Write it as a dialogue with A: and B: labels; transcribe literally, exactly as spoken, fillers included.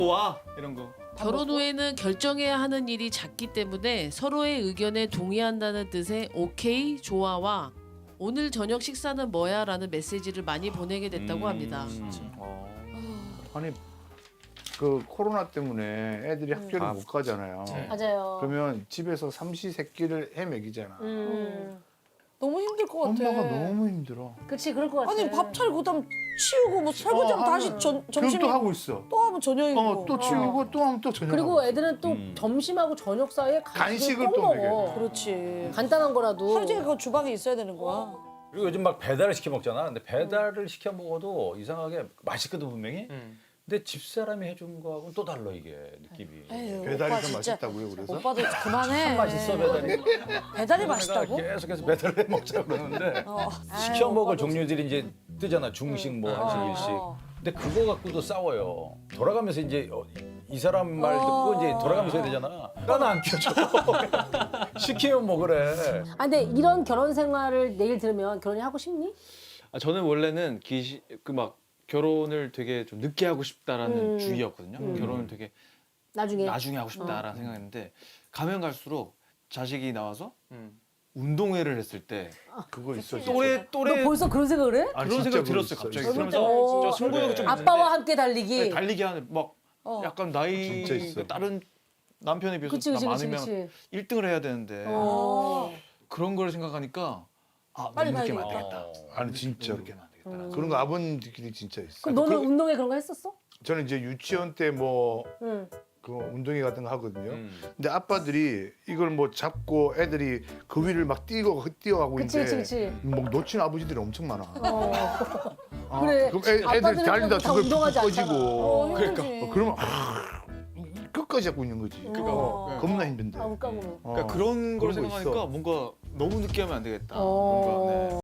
A: 와 이런 거.
B: 결혼 후에는 결정해야 하는 일이 작기 때문에 서로의 의견에 동의한다는 뜻의 오케이, 좋아와 오늘 저녁 식사는 뭐야? 라는 메시지를 많이 보내게 됐다고 합니다.
A: 어.
C: 아니 그 코로나 때문에 애들이 학교를
D: 아,
C: 못 가잖아요.
A: 네.
E: 맞아요.
C: 그러면 집에서 삼시세끼를 헤매기잖아.
E: 음.
F: 너무 힘들 것 같아.
C: 엄마가 너무 힘들어.
E: 그렇지 그럴 것 같아.
F: 아니 밥 차리고 그다음 치우고 뭐 설거지하면
C: 어,
F: 다시
C: 하면
F: 전,
C: 그럼
F: 점심에
C: 또 하고 있어.
F: 또 하면 저녁이고.
C: 어, 또 치우고 또 하면 또 저녁.
E: 그리고 애들은 또
A: 음.
E: 점심하고 저녁 사이에
C: 간식을
E: 간식을 꼭
C: 또
E: 먹어.
C: 먹여야
F: 그렇지.
E: 간단한 거라도.
F: 하루 종일 그 주방에 있어야 되는 거야.
D: 그리고 요즘 막 배달을 시켜 먹잖아. 근데 배달을 시켜 먹어도 이상하게 맛있거든 분명히.
A: 음.
D: 근데 집사람이 해준 거하고는 또 달라 이게 느낌이.
F: 에휴,
C: 배달이
F: 오빠
C: 더
F: 진짜.
C: 맛있다고요, 그래서?
F: 오빠도 그만해.
D: 참 맛있어 배달이.
F: 배달이
D: 내가
F: 맛있다고?
D: 계속해서 배달을 해 먹자 그러는데
F: 어.
D: 시켜
F: 아유,
D: 먹을
F: 오빠도
D: 종류들이 이제 뜨잖아. 중식 뭐 한식
F: 어,
D: 일식.
F: 어.
D: 근데 그거 갖고도 싸워요. 돌아가면서 이제 어, 이 사람 말 듣고 이제 돌아가면서 해야 되잖아. 나는 안 켜줘. 시키면 먹으래.
E: 아 근데 이런 결혼 생활을 내일 들으면 결혼이 하고 싶니?
A: 아, 저는 원래는 기시 그 막 결혼을 되게 좀 늦게 하고 싶다라는
E: 음.
A: 주의였거든요.
E: 음.
A: 결혼을 되게
E: 나중에.
A: 나중에 하고 싶다라는
E: 어.
A: 생각했는데 가면 갈수록 자식이 나와서 운동회를 했을 때
C: 그거 있어.
A: 또래
E: 너
A: 또래
E: 벌써 그런 생각을 해?
C: 아니,
A: 그런
C: 진짜
A: 생각
C: 그거
A: 들었어요
C: 있어,
A: 갑자기.
C: 있어.
A: 그러면서
E: 어.
A: 저 승부욕이 좀 있는데
E: 아빠와 함께 달리기.
A: 네, 달리기 하는 막
F: 어.
A: 약간 나이
C: 진짜 있어.
A: 다른 남편에 비해서
E: 그치 그치
A: 나
E: 그치
A: 많으면
E: 그치.
A: 일 등을 해야 되는데
E: 어.
A: 그런 걸 생각하니까 아
F: 빨리
A: 너무 늦게
F: 가야
A: 안
F: 되겠다.
A: 되겠다.
C: 아니 진짜
A: 늦게 하면 안 되겠다.
E: 음.
C: 그런 거 아버님들끼리 진짜 있어.
E: 그럼 너는
C: 그리고
E: 운동회 그런 거 했었어?
C: 저는 이제 유치원 때 뭐
E: 응.
C: 그 운동회 같은 거 하거든요.
A: 음.
C: 근데 아빠들이 이걸 뭐 잡고 애들이 그 위를 막 뛰고 뛰어가고
E: 그치
C: 있는데
E: 그치 그치.
C: 뭐 놓친 아버지들이 엄청 많아.
E: 어.
C: 아,
E: 그래.
C: 그럼 애, 애들
E: 아빠들은
C: 달리다
E: 다
C: 저걸
E: 운동하지
C: 꺼지고.
F: 어, 힘들지.
C: 어, 그러면 아, 끝까지 잡고 있는 거지.
E: 어.
C: 겁나 힘든데.
E: 아, 웃가고.
C: 어,
A: 그러니까 그런 걸
C: 그런 거
A: 생각하니까
C: 있어.
A: 뭔가 너무 늦게 하면 안 되겠다.
E: 어.
A: 뭔가 네.